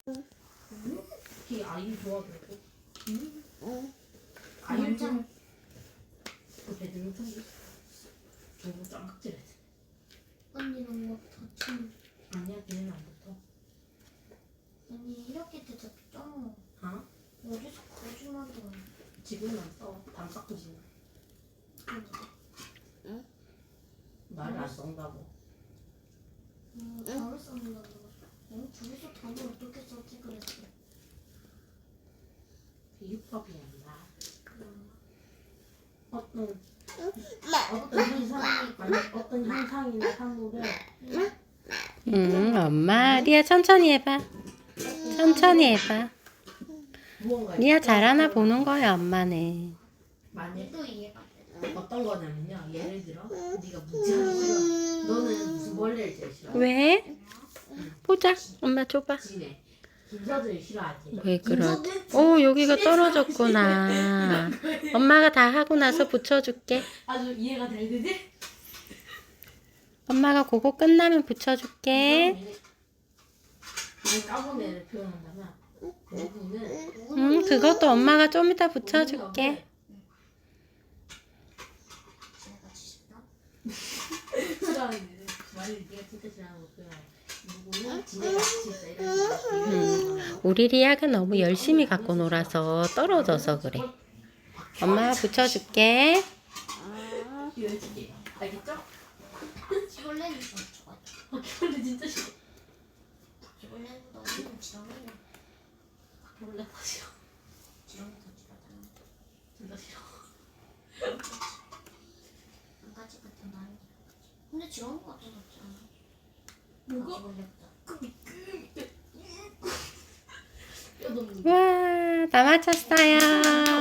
특히 아이 좋아하더라고. 아이 완전 그 배드민턴 너무 짱깍질했어. 언니는 뭐 다친. 아니야, 걔는 안 붙어. 언니 이렇게 되졌죠? 어? 어디서 거짓말도 안 해. 지금은 안 써. 담 깎고 지내. 응? 말을 안 썬다고. 답을 썼는다고 그랬어. 둘이서 답을 어떻게 썼지 그랬어. 비유법이 아니라 그냥 어떤 현상이나 사물을 엄마. 리아 천천히 해봐. 천천히 해봐. 무언가 리아 잘하나 보는 거야, 엄마는. 만약 얘도 이해가 돼. 어떤 거냐면요. 예를 들어 네가 무지하기 싫어. 너는 무슨 벌레를 제일 싫어? 왜? 보자. 엄마 줘봐. 지네. 김서준을 싫어하지. 왜 그러? 오, 여기가 떨어졌구나. 엄마가 다 하고 나서 붙여줄게. 아주 이해가 잘 되지? 엄마가 그거 끝나면 붙여줄게. 이 까본 애를 표현한다면 누구는 그것도 엄마가 좀 이따 붙여줄게. 제가 지신다? 싫어하는 말을 네가 진짜 싫어하는 것도야. 누구는 지네가 진짜 이런 식으로 우리 리아가 너무 열심히 갖고 놀아서 떨어져서 그래. 엄마가 붙여줄게. 이러지. 알겠죠? 지벌레는 좀 좋아. 바퀴벌레 진짜 싫어. 지벌레는 너무 지렁이네. 바퀴벌레 다 싫어. 지렁이 더 지렁이. 진짜 싫어. 한 가지 같은 나이. 근데 지렁이가 더 낫지 않아? 뭐가? 지벌레보다. 뼈 너무 와, 다 맞췄어요.